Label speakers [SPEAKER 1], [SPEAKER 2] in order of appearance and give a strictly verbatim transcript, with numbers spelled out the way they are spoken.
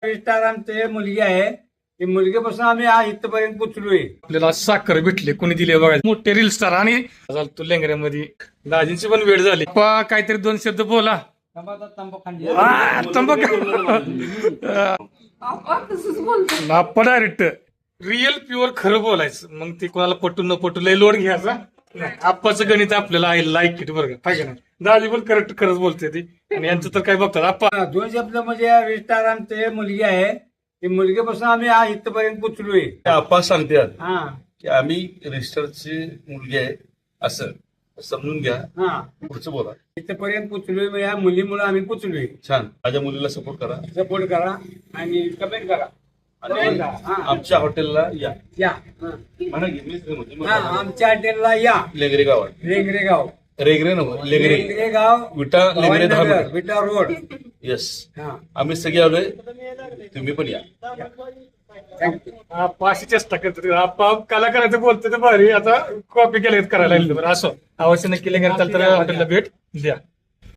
[SPEAKER 1] Star आमचे मुलगी आहे. ती मुलगीपासून आम्ही आ- इथपर्यंत पोचलोय.
[SPEAKER 2] आपल्याला साखर भेटले कोणी दिले बघायला मोठे रील स्टार आणि तू लेंगऱ्यामध्ये दाजींची पण वेळ झाली. पा काहीतरी दोन शब्द बोला.
[SPEAKER 1] तंबाखू खाल्ली.
[SPEAKER 2] आ, तंबाखू आपण डायरेक्ट रिअल प्युअर खरं बोलायचं. मग ते कोणाला पटून न पटू लय लोड घ्यायचा नाही. आप्पाचं गणित आपल्याला आहे लाईक इट बरं का पाहिजे ना. दाजी पण करेक्ट खरंच बोलते ती आणि यांचं तर काय बघतात आप्पा.
[SPEAKER 1] दोन शब्द म्हणजे स्टार आमचे मुलगी आहे. ती मुलगीपासून आम्ही आ- इथपर्यंत पोचलोय.
[SPEAKER 3] आप्पा सांगतात
[SPEAKER 1] हा
[SPEAKER 3] की आम्ही रजिस्टरची मुलगी आहे असं समजून घ्या.
[SPEAKER 1] हा
[SPEAKER 3] पुढचं बोला.
[SPEAKER 1] इथपर्यंत पोचलोय. मग या मुलीमुळे आम्ही पोचलोय.
[SPEAKER 3] छान. माझ्या मुलीला सपोर्ट करा
[SPEAKER 1] सपोर्ट करा आणि कमेंट करा.
[SPEAKER 3] आणि
[SPEAKER 1] हा.
[SPEAKER 3] आमच्या हॉटेलला या.
[SPEAKER 1] या हा.
[SPEAKER 3] म्हणा की मीच म्हणतो.
[SPEAKER 1] हा, आमच्या हॉटेलला या.
[SPEAKER 3] लेगरे गावात
[SPEAKER 1] रेंगरे गाव.
[SPEAKER 3] रेगरे नव्हतं लेगरे
[SPEAKER 1] रेंगरे गाव
[SPEAKER 3] विटा लेगरे दहा
[SPEAKER 1] Bhavaninagar,
[SPEAKER 3] meter.
[SPEAKER 1] Vita road.
[SPEAKER 3] Yes.
[SPEAKER 1] हा
[SPEAKER 3] आम्ही सगळे आलोय. तुम्ही पण या.
[SPEAKER 1] थँक्यू.
[SPEAKER 2] आप्पा अशी चेष्टा करतात. आप्पा कलाकाराचं बोलते तर भारी आता कॉपी केलं करायला लागलं. बरं असं अवश्य नक्की लेंगऱ्या चालतं हॉटेलला भेट द्या.